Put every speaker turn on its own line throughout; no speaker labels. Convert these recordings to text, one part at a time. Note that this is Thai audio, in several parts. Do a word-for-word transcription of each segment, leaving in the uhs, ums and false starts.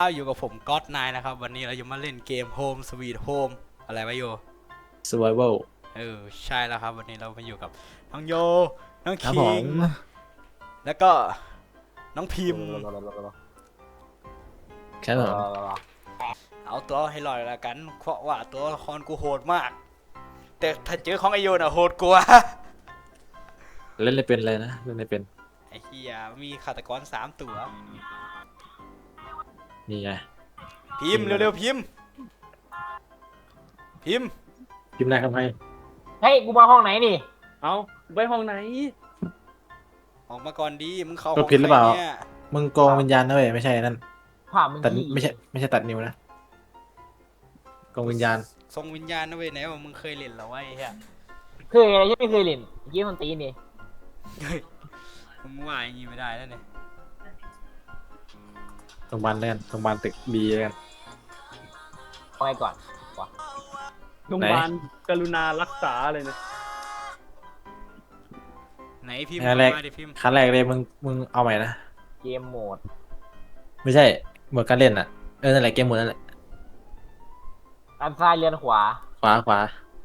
อยู่กับผมก๊อตนายนะครับวันนี้เราจะมาเล่นเกม Home Sweet Home อะไรวะโย
Survival
เออใช่แล้วครับวันนี้เรามาอยู่กับน้องโยน้อง
ครับ
คิ
ผ
ง
ม
แล้วก็น้องพิมพ์
แค่นั้น
เอาตัวให้รอดแล้วกันเพราะว่าตัวละครกูโหดมาก แต่ถ้าเจอของไอโยน่ะโหดกว่า
เล่นเลยเป็นเลยนะเล่นเลยเป็น
ไอ้เหี้ยมีฆาตกรสามตัว
นี่ไง
พิมพ์เร็วๆพิมพ์พิมพ์
พิมพ์นายทำไม
เฮ้ย กูมาห้องไหนนี่
เอาไปห้องไหน
ออกมาก่อนดีมึงเข้า
ตัวผิดหรือเปล่า
ใคเนี่ย
มึงโกงวิญญาณนะเว้ยไม่ใช่นั่น
ผ่ามึง
ตัด
ยี่
ไม่ใช่ไม่ใช่ตัดนิ้วนะโกงวิญญาณ
ทรงวิญญาณนะเว้ยไหนว่ามึงเคยเล่นแล้วไอ้เหี้ย
เคยอะไรที่ไม่เคยเล่นยี่มันตีนี่
เฮ้ยมึงว่าอย่างงี้ไม่ได้แล้วเนี่ย
โรงพยาบาลเล่นโรงพยาบาลตึกบีเล่น
เอาไงก่อน
โรงพยาบาลกรุณารักษาเลยนะ
ไหนพิมพ์
ขั้นแรก
มาดิพิมพ์
ขั้นแรกเลยมึงมึงเอาใหม่นะ
เกมโหมด
ไม่ใช่หมดการเล่นอ่ะเออนั่นแหละเกมหมดนั่นแหละ
อันซ้ายเลียนขวา
ขวาขวา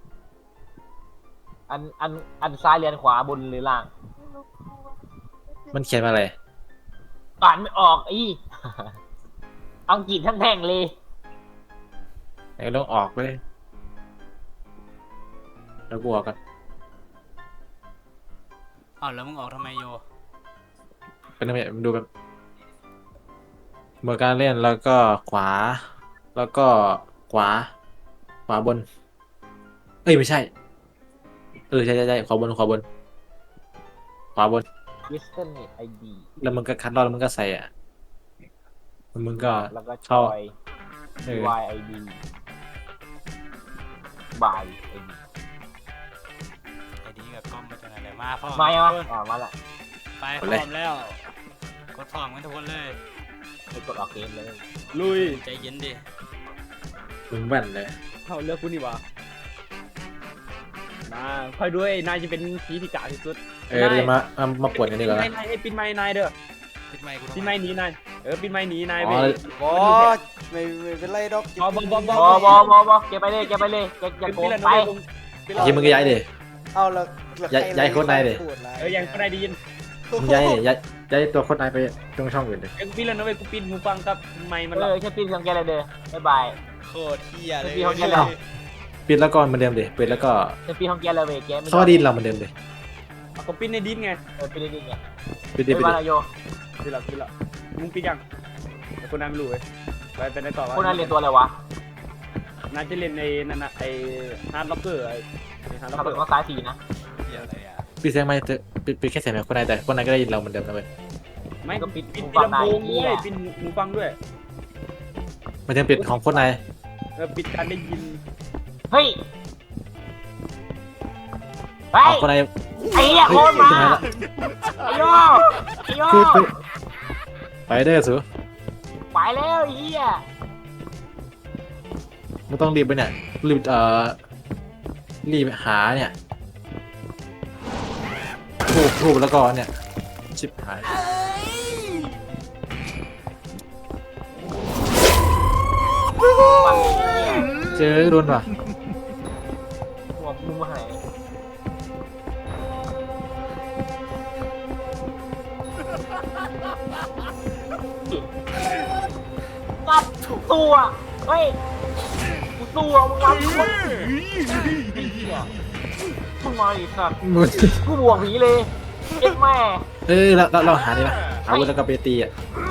อันอันอันซ้ายเลียนขวาบนหรือล่าง
มันเขียนมาอะไร
อ่านไม่ออกอี อังกฤษทั้งแท่งเลย
ไหนลองออกเลยแล้วกูออกกัน
อ้าวแล้วมึงออกทำไมโย
เป็นยังไงมันดูแบบหมดการเล่นแล้วก็ขวา แล้วก็ขวา ขวาบน เอ้ยไม่ใช่ เออใช่ใช่ใช่ขวาบนขวาบน ขวาบน
ยิสเทนไอดี
แล้วมึงก็คัดลอกแล้วมึงก็ใส่อ่ะแล้วมึงก็
แล้วก็ช
เข้า
อย
เออ
Y I D บาย ไอดี
ไอ้ดีกับกล้องมาจากไหนเลยมาพร้อม
มายัง
ทุ
วะ
กคน
อ่ามาละ
ไปพร้อมแล้วกดพร้อมกันทุกคนเลย
ไปกดออกเกมเลย
ลุย
ใจเย็นดิ
มึงแว่นเลย
เอาเลือกกูนี่หวะมาคอยด้วยนายจะเป็นผีที่กาที่สุด
เออเดี๋ยวมามามาปวดกันดีกว่า
นายนายให้ปินไม้นายเด้อ
ปิดไมค์กู
ปินไม้หนีนายเออปินไม้หนีนาย
อ๋
ไป
อ
บอสไม่ไม่เป็นไรดอก
บอบอบอบ
บอบอบอบอเก็บไปเลยเก็บไปเลยเก็บอย่าโก
ปิ
ง
นแล้ว
ไป
นะ
ทีมึงก็ย้ายดิ
เอาแล้วแล้ว
ย้าย
ใคร
ย้ายโค้ดนายดิ
พูดะไร
เออยังก็ได้ดียิน
มึงย้ายดิย้ายย้ายตัวโคตรนายไปตรงช่องอื่นดิ
เออปินแล้วนะเว้ยกูปินหูฟังครับไม้มัน
เอ
หลับ
อแค่ปีนสังเกตเลยเด้อบ๊ายบาย
โคตรเที่ยเลย
พี่เขาเรียกเรา
ปิดแล้วก็เหมือนเดิมดิปิดแล้วก็
แค่ปีนสังเกตเลยเว้ยเกมไม่
สวัสดีเราเหมือนเดิมดิ
เอาก็ปินในดินไง
เออปีนได้ดีไง
ปิดดิ
ไม่
ปิด
มา
ดิ
ละโย
ปินแล้วปินแล้วมึงปินยังแต่คนนั้นไม่รู้เว้ยไปเป็นได้ต่อวะ
คนนั้นเรียนตัวอะไรวะ
น่าจะเล่นในนั่นนะไอ้ฮาร์ดล็อกเกอร์ไอ้ฮาร์ดล็อก
ขับ
เก
ร
อ
ถ
ร์
มาซ้ายสี่นะ
เที่ยอะไรอ่ะ
ปิดเสียงไม่เถอะปิดปิดแค่เสียงแบบคนนายแต่คนนายก็ได้ยินเราเหมือนเดิมนะเว้ย
ไม่ก็ปิดปิดปิดลำโพงด้วยปิดหูฟังด้วย
ไม่ถึงปิดของคนนาย
เออปิดการได้ยิน
เฮ้ยไป
ของคนนาย
ไอ้เหี้ยโคนมาไอ้โยไอ้โย
คือคือไปเด้อสู
ไปแล้วไอ้เหี้ย
มึงต้องรีบไปเนี่ยรีบเอ่อรีบหาเนี่ยทูบทูบแล้วก็เนี่ยชิบหาย
มันเลยไอ้เหี้ย
เจอโดนว่ะ
หัวมุมหายรับตัวเฮ้ยกูตัวมึงรับคนไอ้เหี้ยมึงมาอีกครับ
มึง
กูบวกผีเลยเอ็ดแม่
เอ้ยเราเราเราหาดีป่ะหาวุธแล้วก็ไปตีอ่ะ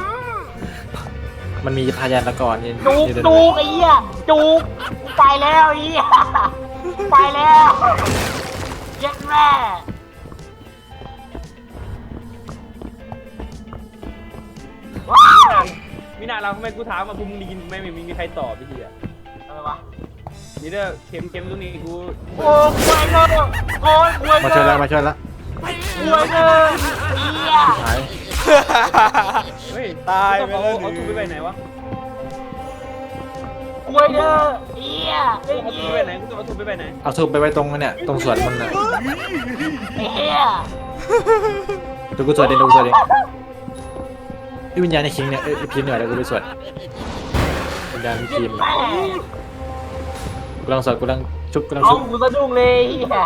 มันมีพยานละก่อนนี่
จูก
นี่เดิน
จูกไอ้เหี้ยจูกกูไปแล้วไอ้เหี้ยไปแล้วเย็ดแม่ว้าว
มีหน้าเราทำไมกูถามมาพวกมึงได้ยินไม่ไม่มีใครตอบพี่ทีอ่ะ
อะไรวะ
นี่เด้อเข็มเข็มตรงนี้กู
โอ้ยควยเนอะโอ้ยควย
มา
เน
ช่วยแล้ว
อะ
มาช่วยแล้ว
ควยเนอะเหี้ย
หาย
เฮ้ย
ตายไป
เอา
แล้ว
เอาทุบไปไหนวะ
ควยเนอะเหี้ยไอ้
เอาทุ
เหี้
บ
ย
ไปไหนกูจะเอาทุบไปไหน
เอาทูบไปไว้ตรงนั้นเนี่ยตรงสวนมันน่ะ
ไอ้เหี้ย
เดี๋ยวกูสวดเองเดี๋ยวกูสวดเองไอ้วิญญาณในคิงเนี่ยเอ้ยไอ้พิมพ์เนี่ยเดี๋ยวกูไปสวดวิญญาณพิมพ์
แม่
กูลังสวดกูลังชุบกูลัง
น้อ
ชุ
ง
บ
กูสะดุ้งเลยเฮีย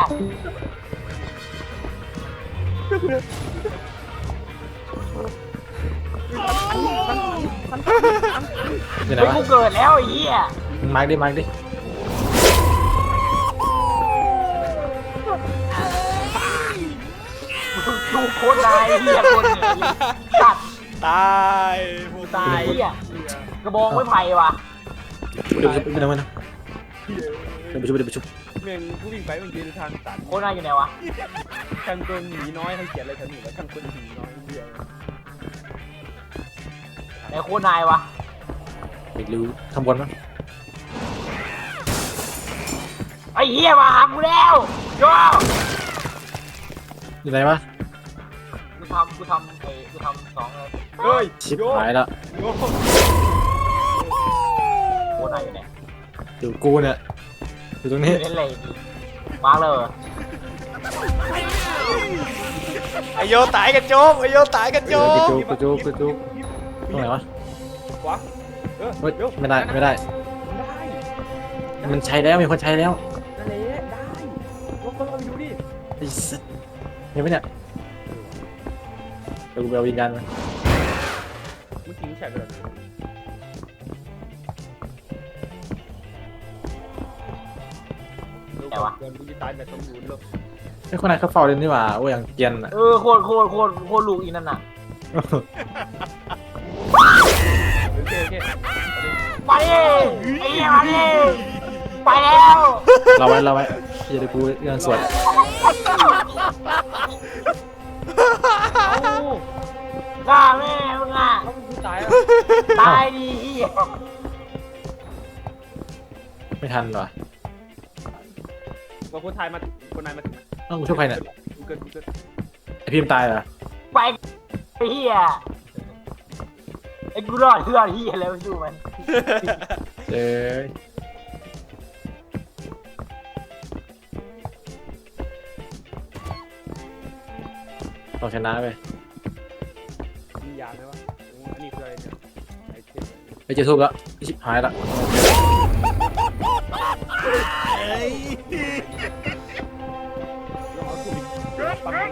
อยู่ไหน
เฮ้ยว
ะ
กูเกิดแล้วไอ้เฮีย
มึงมาร์กดิมาร์กดิ
ดูโคตรนายเฮียคนเนี่ยตัด
ตายพวก
ตายเฮียกระบองไม่ไผ่ว่ะ
เดี๋ยวไปชุบเดี๋ยวไปนะเดี๋ยวไปชุบเดี๋ยวไปชุบ
เมืองกูวิ่งไปมันยืนทางตัน
โคตรนายอยู่ไหนวะ
ช่างตัวหมีน้อยเขาเขียนอะไรแถวนี้ว่าช่างตัวหมีน้อยเดียว
ไหนโคตรนายวะ
ไม่รู้ข้างบนมั้ง
ไอ้เฮียมาหากูแล้วโย่
อยู่ไหนวะ
กูทำกูทำไอ้กูทำสองเลย
เฮ้ย
ชิบหายแล้ว
โย
โคตรนายอยู่ไหน
อยู่กูเนี่ยอยู่ตรงนี้
เล่นอะไรดีมาเลย
ไอโยตายกันโจมไอโยตายกันโจ
เออ
ม
กูจุกกูจุกกูจุกตรงไหนวะ
ขวาเออ
เฮ้ย
เดี๋ยว
ไม่ได้ไม่ได้
ได้
มันใช้แล้วมีคนใช้แล้ว
นั่นแหละได้ลองเอาไปดูดิ
ไอ้สัสเห็นไหมเนี่ยเดี๋ยวกูไปเอาวิญญาณมา
เมื่อกี้มึงแฉไปแล้วแต่ว่ากูจะตายแบบสมบูรณ์เลย
ไอ้คนนั้นเขาเฝ้าเลยนี่หว่าโอ้ยอย่างเกรียนอ่ะ
เออโคตรโคตรโคตรโคตรลูกอีนั่นน่ะ
โอเคโอเค
ไปดิไอ้เหี้ยมาดิไปแล้ว
เราไว้เราไว้เดี๋ยวกูเรื่องสวด
เอา
ฆ่าแม่มึงอ่ะ
เขากูตายอ่ะ
ตายดีเหี้ย
ไม่ทันหรอ
ว่าคนไทยมาคนนายมาถึง
เอ้ากูช่วยใครเนี่ย
กูเกิดกูเกิด
ไอพิมพ์ตายเหรอ
ไปไอ้เหี้ยไอ้กูรอดเพื่อนเหี้ยแล้วไม่สู้มัน
เอ้ยต้องชนะไป
มียาไหมวะอันนี้คืออะไรเนี่ยไอเทม
ไปเจอทูบแล้วชิบหายละ
เราเอาถูกปั๊มไหน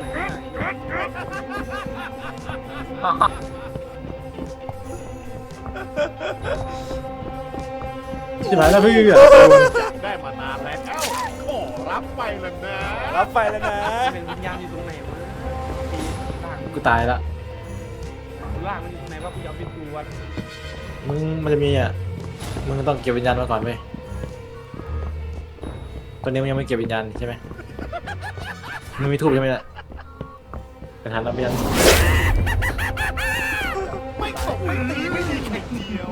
ชิบหายแล้วพี่อ่ะ
ได้มานานแล้วขอรับไปแล้วนะ
รับไปแล้วนะ
เป็นวิญญาณอยู่ตรงไหนวะตีล่าง
กูตายละ
ล่างมันอยู่ตรงไหนวะกูยอมเป็นตัว
มึงมันจะมีอ่ะมึงต้องเก็บวิญญาณมาก่อนเว้ยตอนนี้มึงยังไม่เก็บวิญญาณใช่ไหมมึงมีทูบใช่ไหมเนี่ยเป็นทันแล้วไม่ยัง
ไม่ตกวันนี้ไม่มีแข่งเดียว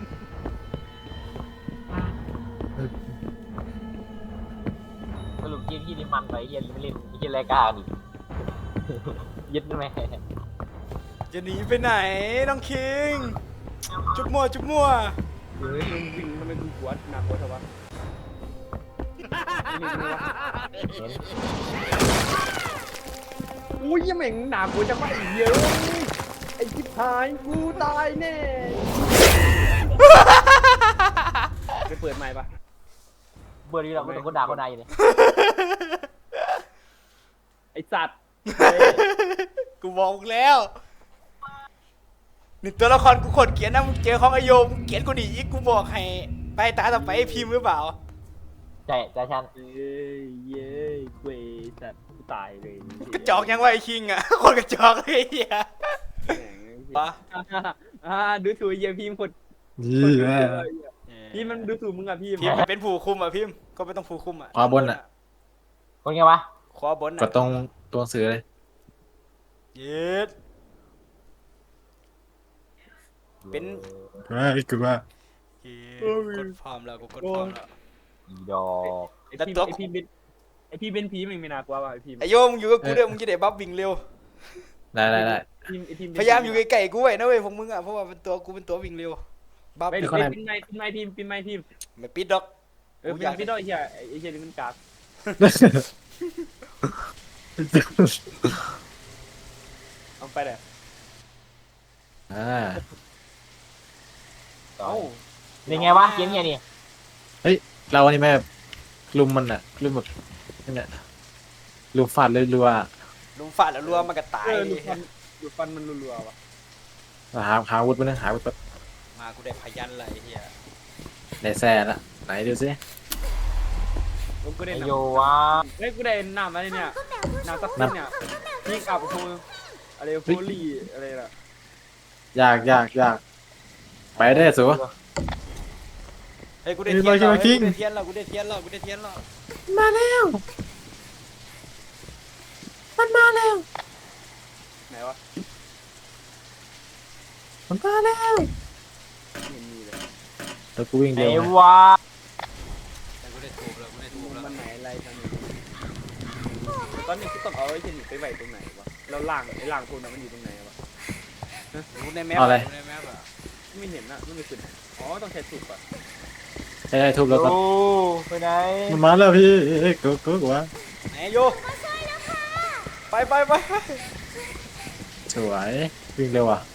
สรุปเกมที่นี่มันไปเหี้ยไม่เล่นไอ้เหี้ยรายการอีกยึดแม่
จะหนีไปไหนน้องคิง จุบมั่วจุบมั่ว
เฮ้ยมึงวิ่งทำไมกูปวดหนักกว่าเถอะวะ
เห็น
อุ้ยยังแม่งหนักกว่าจะไม่เยอะไอ้ชิบหายกูตายแน่ไปเปิดใหม่ปะ
เบอร์นี้เราก็ต้องคนด่าคนนายอยู่เลย
ไอ้สัตว์
กูบอกมึงแล้วนี่ตัวละครกูขดเขียนนะมึงเจอของไอโยมึงเขียนกูดีอีกกูบอกให้ไปตาต่อไปให้พิมพ์หรือเปล่า
ใช่แต่ฉัน
เย้เย้เว้ยสัตว์กูตายเลย
กระจอกยังไงไอคิงอ่ะ คนกระจอกเลยไอ้เฮียปะ
อ่าดูถูกเยี่ยพิมพ์คน
ยี่แม่
พี่มันดูถูกมึงอะพี่
พิมพ์เป็นผู้คุมอ่ะพิมพ์ก็ไม่ต้องผู้คุมอ่ะ
ขวาบนอ่ะ
คนไงวะ
ขวาบน
ก
อ่ะ
ดตรงตัวหนังสือเลย
เย็ดเป็น
เฮ้ยกูว่า
เย็ดกดพร้อมแล้วกูกดพร้อมแล้ว
อีดอก
ไอพี่ไอพี่เป็นไอพี่เป็นผีมันไม่น่ากลัวว่ะไอพี่
ไอโยมึงอยู่กับกูเด้อมึงจะได้บัฟวิ่งเร็ว
ได้ได้ได้
ทีมไอทีม
พยายามอยู่ใกล้ๆกูไว้นะเว้ยพวกมึงอ่ะเพราะว่าเป็นตัวกูเป็นตัววิ่งเร็วบัฟ
ไป
ไม่
เป็นไม้เป็นไม้ทีมเป็นไม้ทีม
ไม่ปิดดอก
เออเป็นพี่ด้อยเฮียไอเฮียนี่มันกากเอาไปเลย
อ่า
เอ้าเป็นไงวะเกมเนี้ยนี่
เราอันนี้แม่แบบลุมมันอะลุมแบบนั่นแหละลุมฟาดเลยรัว
ลุมฟาดแล้วรัวมันก็ตาย
เออดูฟันดูฟันมันรัวๆว่ะ
หาหาอาวุธมาเนี่ยหาอาวุธแบบ
มากูได้พยันอะไรเฮีย
ไหนแซ่ละไหนดูสิ
ผมก็ได้
ไอ
น้
โยวะ
ำเฮ้ยกูได้น้ำอะไรเนี่ยน้ำซับซิ้นเนี่ยยิงอับโฟอะไรโฟลี่อะไรล่ะ
ยากยากยากไปได้สู
เฮ้ยกูได้
มี
เทียน
มา
แล้ว
คิง
กูได้เทียนแล้วกูได้เทียนแล้วกูได้เทียนแล้ว
มาแล้วมันมาแล้ว
ไหนวะ
มันมาแล้ว
ไม่เห็นมีเลย
แล้วกูวิ่ง
ไอ
เร็วนะ
วะ
แต่กูได้ถูกแล้วกูได้ถูกแล้ว
มันไหนอะไรตอนนี้ตอนนี้กูต้องเอาไอ้เจนี่ไปไว้ตรงไหนวะแล้วล่างไอ้ล่างพวกนั้นมันอยู่ตรงไหนวะ
รู้ในแมปรู้ในแมปอะ
ไม่เห็นอะไม่มีขึ้นอ๋อต้องใช้สุกอะ
ใช่ได้ทุบแล้วก็
โอ้ไปไหน
มันมาแล้วพี่กูกูกูวะ
ไหนโยไปไปไป
สวยวิ่งเร็วอ่ะ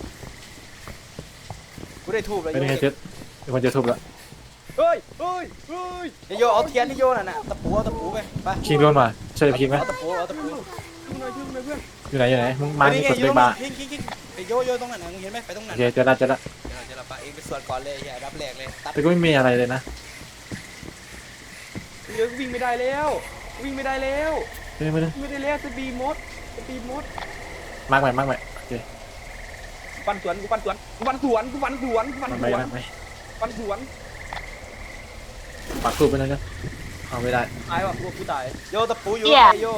กูได้ถูกแล้ว
ไม่
โย
ได้ไงเจ็ดมีคนจะทุบแล้ว
เฮ้ยเฮ้ยเฮ้ย
ไอ้โยเอาเทียนที่โยน่ะนะตะปูเอาตะปูไปไป
คิงโดนมาช่วยคิงไหม
เอาตะปูเอาตะปู
ช่วยหน่อยช่วยหน่อยเพื่อน
อยู่ไหนอยู่ไหนมึงมา
นี่
ที่
ไง
กด
อ
เล
ยู่
ย
ตรง
มา
นั้นคิงคิงคิงไอ้โยโยตรงนั้นนะมึงเห็นไหมไปตรง
โอ
นั้น
เคเจอละเจอละ
เดี๋ยวเราจะรับปะเองไปสวดก่อนเลยอย่ารับแรกเลยตัด
แต่ก็ไม่มีอะไรเลยนะ
เดี๋ยววิ่งไม่ได้แล้ว วิ่งไม่ได้แล้ว
ไม่ได้ไม่ได้
วิ่งไม่ได้แล้วสปีดมดสปีดมด
มากไปมากไปโอเค
ปันสวนกูปันสวนกูปันสวนกูปันสวนกูปัน
มาก
ส
ไป
วน
มากไป
ปันสวน
ปักทูบไปนั่นกันเอาไม่ได้
ตายว่ะกูกูตาย
โยตะปูอยู่ไอ้โย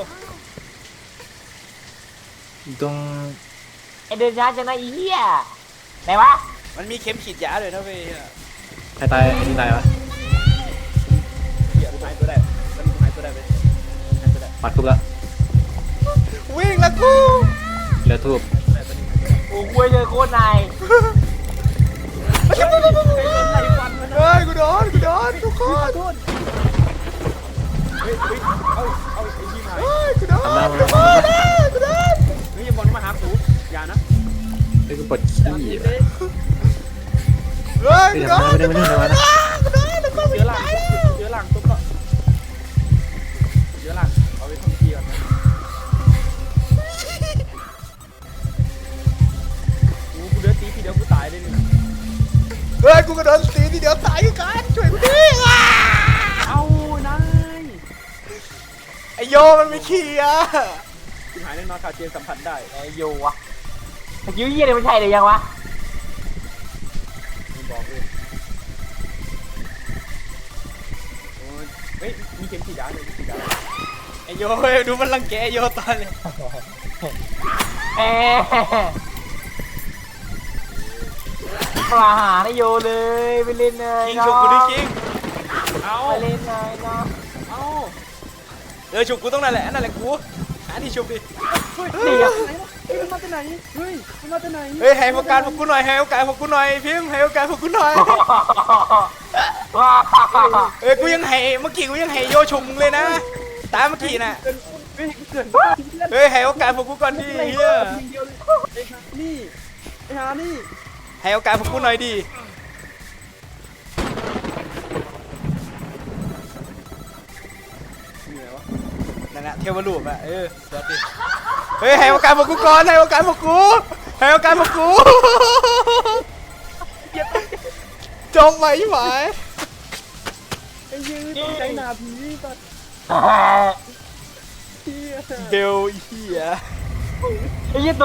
ตรง
ไอเดินช้าจังนะไอีเหี้ยไหนวะ
มันมีเข็มฉีดยาเลยนะเว้ย
ใครตายไอ้ที่ตายวะ
เหี้ยกูหายตัวได้ตอนนี้กูหายตัวได้ไปหายตัวได้
ปักทูบแล้ว
วิ่งละกู
เหลือทูบ
ได้ตอนนี้หายตัวได้
โอ้กูเจอโคตรนาย
ใครโดนไหลฟันมันนะ
เฮ้ยกูโดนกูโดนทุกคน
โทษเฮ้ยเฮ้ยเอาเอาไอ้ที่หาย
เฮ้ยกูโดน
ทำหน้า
กู
มัน
โดนกูโดน
เฮ้ยอย่าบอลมาหากูอย่านะ
ไอ้กูปวดขี้
อย่า
อ่ะ
เด้
เฮ้ย
ไม่
กู
ได้
โดน
ไม่ได้ไม่ได้ไม่ได้
กูโดนทุกคน
เชื้อราเชื้อราตุ๊บก็เชื้อราเอาไปทำทีก่อนนะกูกูเดือดตีทีเดียวกูตายเลยนี่นะ
เฮ้ยกูกระโดดตีทีเดียวตายกันช่วยกูดิอ่ะ
เอานาย
ไอโยมันไม่ขี่อ่ะ
คุณหายแน่นอนค่ะเจนสัมผัสได้
ไอโยวะตะกี้เหี้ยเนี่ยมันใช่หรือยังวะ
มึงบอกเลยโอ้ยเฮ้ยมีเข็มฉีดยาเลยมีฉีดยา
ไอโยเฮ้ยดูมันรังแกไอ้โยตอนเลย
เอ๊ะมาหาไอโยเลยไปเล่นเลย
คิง
เนาะ
ฉุกกูดิคิง
เอา
ไปเล่นเลยเนาะ
เอา
เออฉุกกูต้องนั่นแหละนั่นแหละกูหาที่ฉุกดิ
เฮ้ย
นี่
ไหน
อะ
วะเฮ้ยมันมาจากไหนเฮ้ยมันมาจากไหน
เฮ้ยให้โอกาสพวกกูหน่อยให้โอกาสพวกกูหน่อยพิมพ์ให้โอกาสพวกกูหน่อย
ว้าว
เอ้ยกูยังให้เมื่อกี้กูยังให้โยฉุกมึงเลยนะตามเมื่อกี้น่ะ
เกินเฮ้ยเกินเพื่อน
เฮ้ยให้โอกาสพวกกูก่อนดิ
ไอ้
เฮีย
เดียวเลยไอ้หานี่ไอ้หานี่
ให้โอกาสพวกกูหน่อยดิ
เหนื่อยวะ
นั่นแหละเทวรูปอะเออสวัสดีเฮ้ยให้โอกาสพวกกูก่อนให้โอกาสพวกกูให้โอกาสพวกกูจมไหมไหม
ไอ้ยืนต้องใจหนาผีตัดเที่ย
เบลเฮีย
ไอ้ยี่